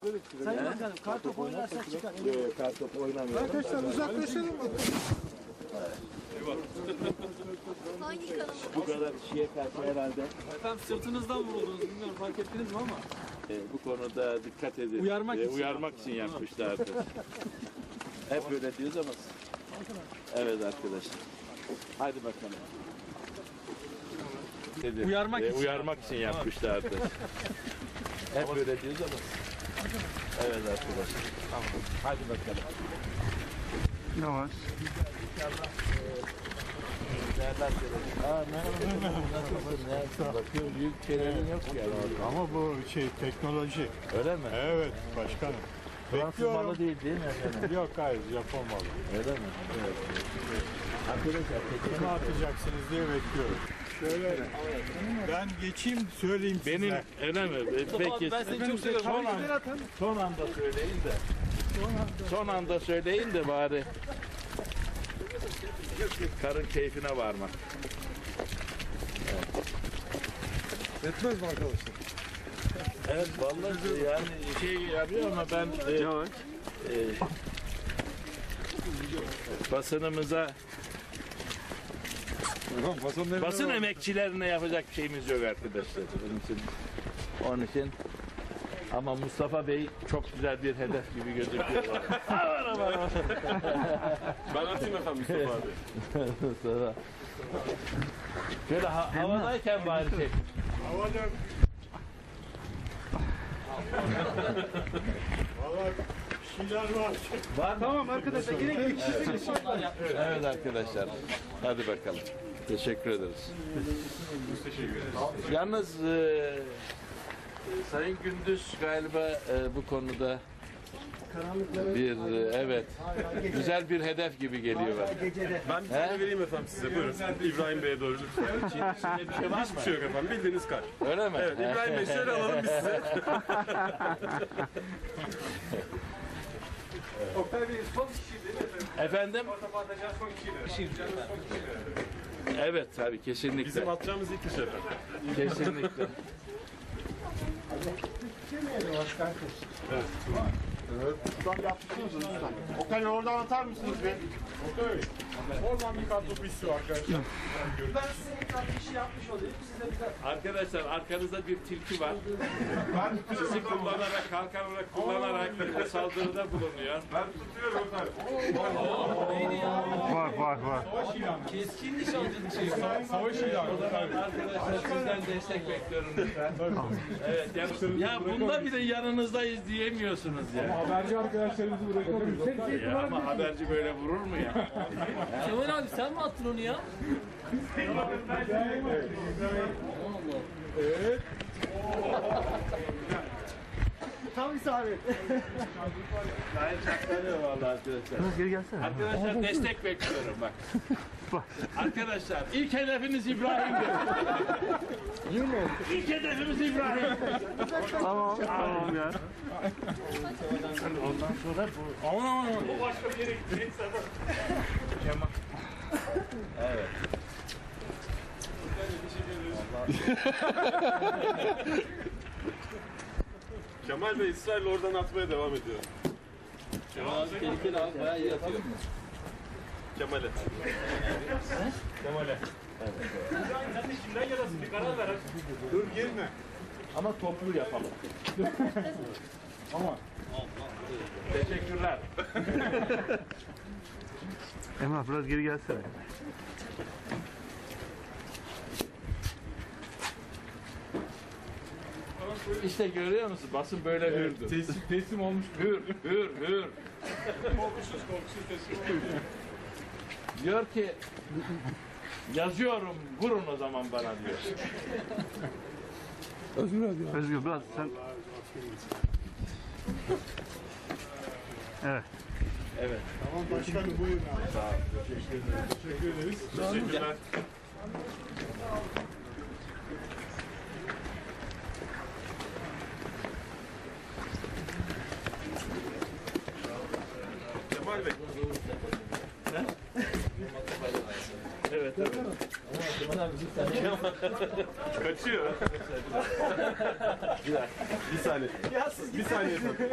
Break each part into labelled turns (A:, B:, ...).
A: Sayın Bakanım, kartopu oynarsak çıkar.
B: Yok, kartopu oynamıyorum.
C: Arkadaşlar uzaklaşalım mı?
D: Hangi kanal?
B: Bu kadar kişiye karşı herhalde
A: Efendim sırtınızdan vuruldunuz, bilmiyorum fark ettiniz mi ama.
B: bu konuda dikkat edin.
A: Uyarmak için.
B: için yapmışlardır. Hep öyle diyoruz ama. Evet arkadaşlar. Haydi bakalım. Uyarmak için yapmışlardır. Hep öyle diyoruz ama. Evet arkadaşlar. Tamam. Hadi bakalım.
C: Yavaş.
B: Merhaba. Nasılsın? Bakıyorum büyük şeylerin yok yani.
C: Ama bu teknoloji.
B: Öyle mi?
C: Evet başkanım.
B: Fransız malı değil mi efendim?
C: Yok hayır Japon malı.
B: Öyle mi? Evet. Arkadaşlar
C: Kimi atacaksınız diye bekliyorum. Şöyle ben geçeyim söyleyeyim size.
B: benim öyle mi? Peki.
A: Ben seni çok seviyorum.
B: Son anda söyleyin de. Son anda söyleyin de bari. Karın keyfine varmak.
C: Yetmez mi arkadaşlar?
B: Evet vallahi yani şey yapıyor ama ben basınımıza basın emekçilerine yapacak bir şeyimiz yok arkadaşlar. Onun için ama Mustafa Bey çok güzel bir hedef gibi gözüküyor.
E: Ben atayım efendim Mustafa abi.
B: Sonra şöyle havadayken bari çek.
C: Havada. Valla bir şeyler var.
B: Var mı?
A: Tamam arkadaşlar, gerekli kişileri
B: Evet arkadaşlar. Hadi bakalım. Teşekkür ederiz. Yalnız Sayın Gündüz galiba bu konuda bir evet güzel bir hedef gibi geliyor bana.
E: Ben bir tane vereyim efendim size. Buyurun. İbrahim Bey'e doğru lütfen.
B: İçinde bir şey var mı?
E: Hiçbir şey yok efendim. Bildiğiniz kar.
B: Öyle mi?
E: Evet İbrahim Bey şöyle alalım biz size.
A: Oktay Bey son kişi değil mi efendim?
B: Efendim?
A: Kartopu atacağız son kişi.
B: Evet tabii kesinlikle.
E: Bizim atacağımız ilk iş efendim.
B: Kesinlikle.
C: Okan oradan atar mısınız be? Oradan bir kartopu istiyor arkadaşlar.
A: Ben size ekran işi yapmış olayım. Size bir de
B: Arkadaşlar arkanızda bir tilki var. Sizi kullanarak, kalkan olarak kullanarak saldırıda bulunuyor.
E: Ben tutuyorum efendim.
C: Var.
A: keskin nişancılık şeyi.
C: Savaş ilanı.
B: Arkadaşlar sizden destek bekliyorum lütfen. Evet, ya bunda bile yanınızdayız diyemiyorsunuz ya.
C: Haberci arkadaşlarımızı bırakamıyoruz.
B: Ya ama haberci böyle vurur mu ya?
A: Kemal abi sen mi attın onu ya?
C: Evet.
A: Tam isabet.
B: Gayet çaklanıyor vallahi arkadaşlar.
A: Geri gelsene.
B: Arkadaşlar destek bekliyorum bak. Arkadaşlar ilk hedefiniz İbrahim'dir. İlk hedefimiz İbrahim.
A: Tamam ya.
B: Ondan sonra bu... Aman. Bu başka bir yere gitti. Kemal. Evet.
E: Kemal Bey İsrail oradan atmaya devam ediyor.
A: Kemal abi tehlikeli abi, bayağı iyi atıyor.
E: Kemal'e. Kemal'e.
C: Dur girme.
B: Ama toplu yapalım. Teşekkürler.
A: Emrah biraz geri gelsene.
B: İşte görüyor musun? Basın böyle hürdü.
C: Teslim olmuş.
B: Hür.
C: Korkusuz teslim olmuş.
B: Diyor ki yazıyorum vurun o zaman bana diyor.
A: Özgür biraz sen... Evet.
B: Evet.
C: Tamam başkanım buyurun. Sağ ol. Teşekkür ederiz.
E: Teşekkürler. Kemal Bey.
B: Evet.
E: Kaçıyor. Bir saniye. Bir saniye efendim.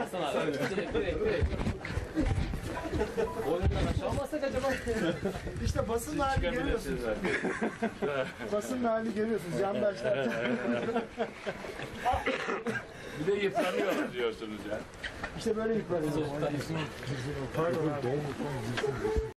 A: Olmasak acaba? İşte basın hali görüyorsunuz. Basın hali görüyorsunuz. Yandaşlar.
B: Bir de yıpranıyoruz diyorsunuz ya.
A: İşte böyle yıpranıyoruz.